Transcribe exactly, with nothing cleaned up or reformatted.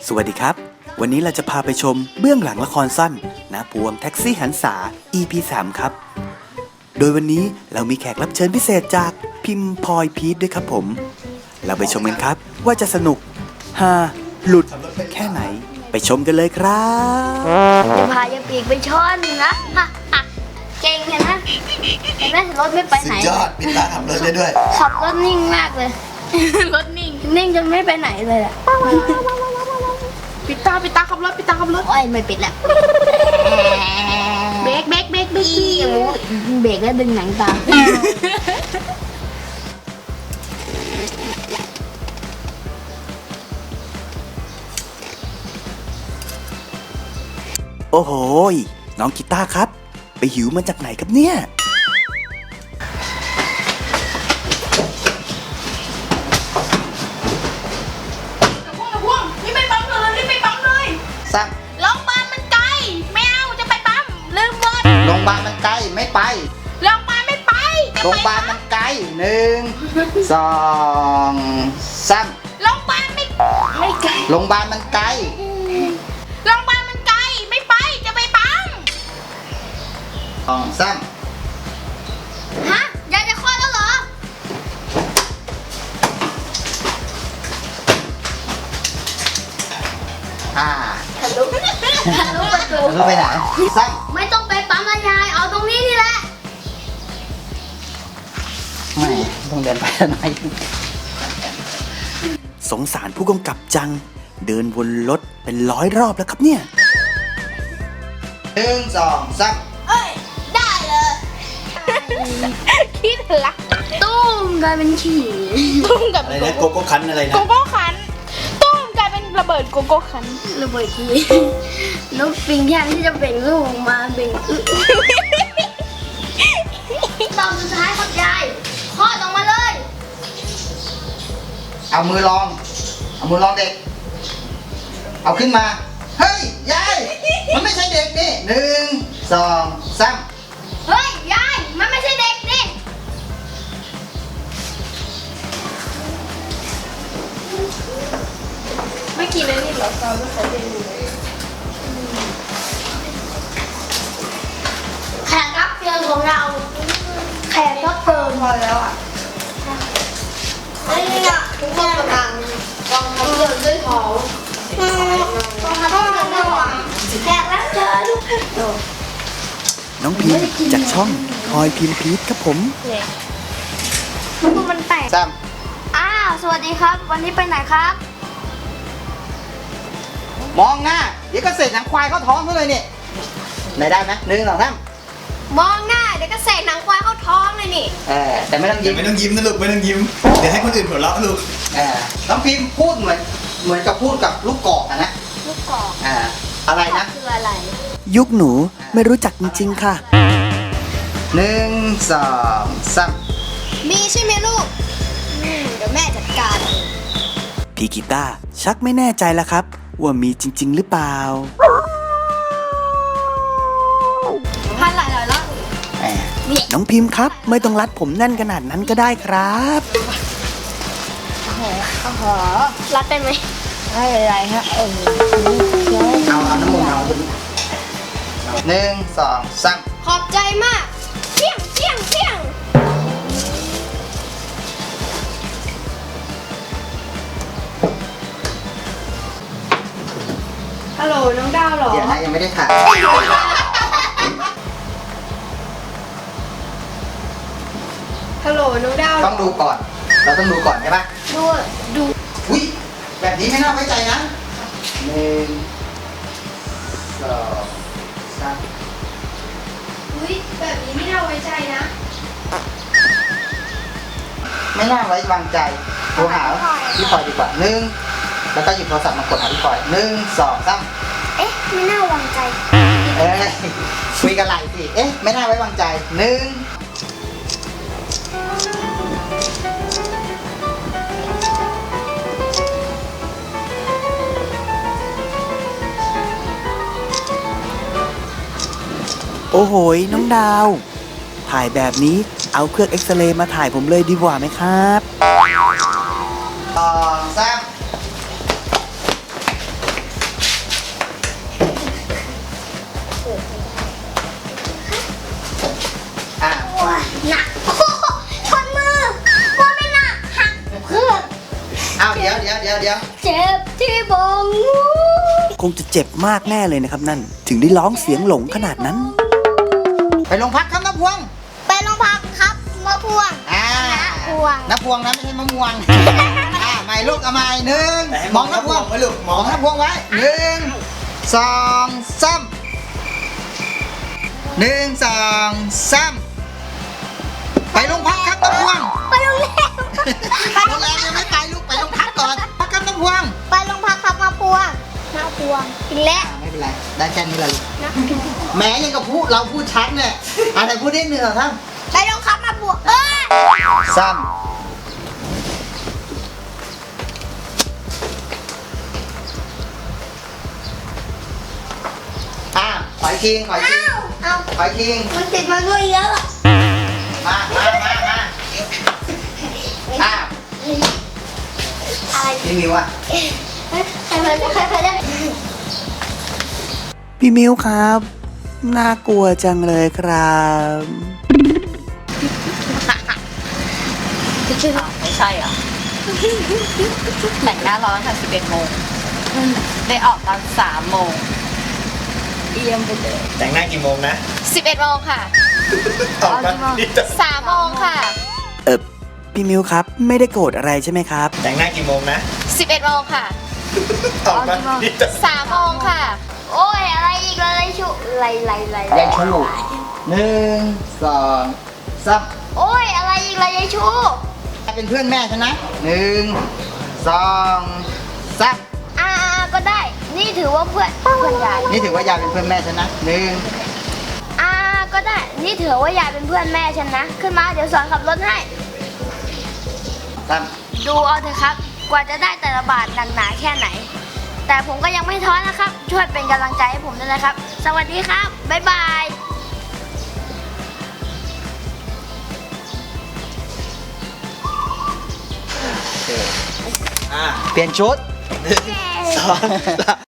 สวัสดีครับวันนี้เราจะพาไปชมเบื้องหลังละครสั้นนาพวงแท็กซี่หันษา อี พี สาม ครับโดยวันนี้เรามีแขกรับเชิญพิเศษจากพิมพ์พลอยพีทด้วยครับผมเราไปชมกันครับว่าจะสนุกฮาหลุดแค่ไหนไปชมกันเลยครับจะพายาปีกไปช้อนนะฮะเก่งเห็นนะเห็นไหมรถไม่ไปไหนสุดยอดปิดตาขับรถได้ด้วยขับรถนิ่งมากเลยรถนิ่งนิ่งจนไม่ไปไหนเลยอะปิดตาปิดตาขับรถปิดตาขับรถโอ้ยไม่ปิดแล้วเบรกเบรกเบรกเบรกเบรกแล้วดึงหนังตาโอ้โหน้องกีตาร์ครับไปหิวมาจากไหนครับเนี่ยสั่งโรงพยาบาลมันไกลไม่เอาจะไปปั๊มลืมรถโรงพยาบาลมันไกลไม่ไปโรงพยาบาลไม่ไปโรงพยาบาลมันไกลหนึ่งสองสามโรงพยาบาลไม่ไม่ไกลโรงพยาบาลมันไกลโรงพยาบาลมันไกลไม่ไปจะไปปั๊มสองสามฮะยายจะคลอดแล้วเหรออ่าทะลุทะลุประตูรู้ไปไหนสั่งไม่ต้องไปปั๊มละยายเอาตรงนี้นี่แหละไม่ต้องเดินไปทำไมสงสารผู้กำกับจังเดินวนรถเป็นร้อยรอบแล้วครับเนี่ยหนึ่งสองสามเอ้ยได้เลยคิดละตุ้มกลายเป็นขี่ตุ้มกับอะไรนะโกโก้คันอะไรนะโกโก้คันตุ้มกลายเป็นระเบิดโกโก้คันระเบิดทีนกปิงแทนที่จะเบ่งลูกออกมาเบ่งอึตอนสุดท้ายครับยายคลอดออกมาเลยเอามือลองเอามือลองเด็กเอาขึ้นมาเฮ้ยยายมันไม่ใช่เด็กนี่หนึ่งสองสามเฮ้ยยายมันไม่ใช่เด็กนี่ไม่กินเลยนี่หรอตอนที่เขาเรียนอยู่แขกรับเชิญของเราแขกรับเชิญพอแล้วอ่ะนี่อ่ะทุกคนกำลังกองทัพเดินด้วยท้องกองทัพเดินด้วยท้องแขกรับเชิญน้องพิมจากช่องพลอยพิมพ์พีทครับผมมันแตกสามอ้าวสวัสดีครับวันนี้ไปไหนครับมองหน้าเดี๋ยวก็เสร็จหนังควายเข้าท้องเขาเลยเนี่ยไหนได้ไหมหนึ่งสองสามมองหน้าเดี๋ยวก็เสกหนังควายเข้าท้องเลยนี่เออแต่ไม่ต้องยิ้มไม่ต้องยิ้มนะลูกไม่ต้องยิ้มเดี๋ยวให้คนอื่นหัวเราะลูกเออน้องพิมพ์พูดเหมือนเหมือนกับพูดกับลูกกอกอะนะลูกกอกอ่าอะไรนะคืออะไรยุคหนูไม่รู้จักจริงๆค่ะหนึ่งสองสามมีใช่ไหมลูกเดี๋ยวแม่จัดการพี่กีตาร์ชักไม่แน่ใจแล้วครับว่ามีจริงๆหรือเปล่าพันหลายหลายรอบน้องพิมพ์ครับไม่ต้องรัดผมแน่นขนาดนั้นก็ได้ครับโอ้โหโอ้โหรัดได้ไหมไม่เป็นไรฮะเออเอาเอาน้ำมันเอาหนึ่งสองสามขอบใจมากเพี้ยงเพี้ยงเพี้ยงฮัลโหลน้องดาวหรอเดี๋ยวนะยังไม่ได้ถ่ายฮัลโหลน้องดาวต้องดูก่อนเราต้องดูก่อนใช่ปะดูดูอุ้ยแบบนี้ไม่น่าไว้ใจนะหนึ่งสองสามอุ้ยแบบนี้ไม่น่าไว้ใจนะไม่น่าไว้วางใจโทรหาพี่พลอยดีกว่าหนึ่งแล้วก็หยิบโทรศัพท์มากดหาพี่พลอยหนึ่งสองสามเอ๊ะไม่น่าวางใจเอ้ยคุยกันไหลสิเอ๊ะไม่น่าไว้วางใจหนึ่งโอ้โหน้องดาวถ่ายแบบนี้เอาเครื่องเอ็กซเรย์มาถ่ายผมเลยดีกว่าไหมครับสองสามดี๋ยวเดี๋ยวเดี๋ยวเจ็บที่บงคงจะเจ็บมากแน่เลยนะครับนั่น ถึงได้ร้องเสียงหลงขนาดนั้นไปโรงพักครับน้าพวงไปโรงพักครับมะพวงอ่าน้าพวงน้าพวงนะไม่ใช่มะม่วง อ่าใหม่ลูกเอาใหม่หนึ่งแต่ให้มมออง งน้าพวงไว้ลูกมมออง งน้าพวงไว้หนึ่งสองสามหนึ่งสองสามไปโรงพักครับน้าพวงไปโรงแรมโรงแรมยังไม่ไปลูกไปโรงพักก่อนพักครับน้าพวงไปโรงพักครับมะพวงน้าพวงอีกแล้วอ่าไม่เป็นไรได้แค่นี้แหละลูกแหมยังกับพูดเราพูดชัดเนี่ยอะไรพูดได้หนึ่งเหรอครับไปโรงพักมะพวงเออซ้ำอ่าขอยคิงขอยคิงเอาขอยคิงมันติดมาด้วยเยอะมามามามาอ่าอะไรพี่มิวอ่ะใครมาใครมาได้พี่มิวครับ น่ากลัวจังเลยครับไม่ใช่เหรอแต่งหน้าร้อนค่ะสิบเอ็ดโมงได้ออกตอนสามโมงเอียมไปเลยแต่งหน้ากี่โมงนะสิบเอ็ดโมงค่ะออกมานี่จะสามโมงค่ะเออพี่มิวครับ ไม่ได้โกรธอะไรใช่ไหมครับแต่งหน้ากี่โมงนะสิบเอ็ดโมงค่ะออกมานี่จะสามโมงค่ะโอ้ยอะไรอีกอะไรชุไรไรไรยายชูหนึ่งสองสามโอ้ยอะไรอีกไรยายชูเป็นเพื่อนแม่ฉันนะหนึ่งสองสามอ่าก็ได้ นี่ถือว่าเพื่อนเพื่อนยายนี่ถือว่ายายเป็นเพื่อนแม่ฉันนะหนึ่งอ่าก็ได้ นี่ถือว่ายายเป็นเพื่อนแม่ฉันนะ ขึ้นมาเดี๋ยวสอนขับรถให้สามดูเอาเถอะครับ กว่าจะได้แต่ละบาทหนักหนาแค่ไหน แต่ผมก็ยังไม่ท้อนะครับ ช่วยเป็นกำลังใจให้ผมด้วยนะครับ สวัสดีครับ บ๊ายบายอ่าเปลี่ยนชุดสองสาม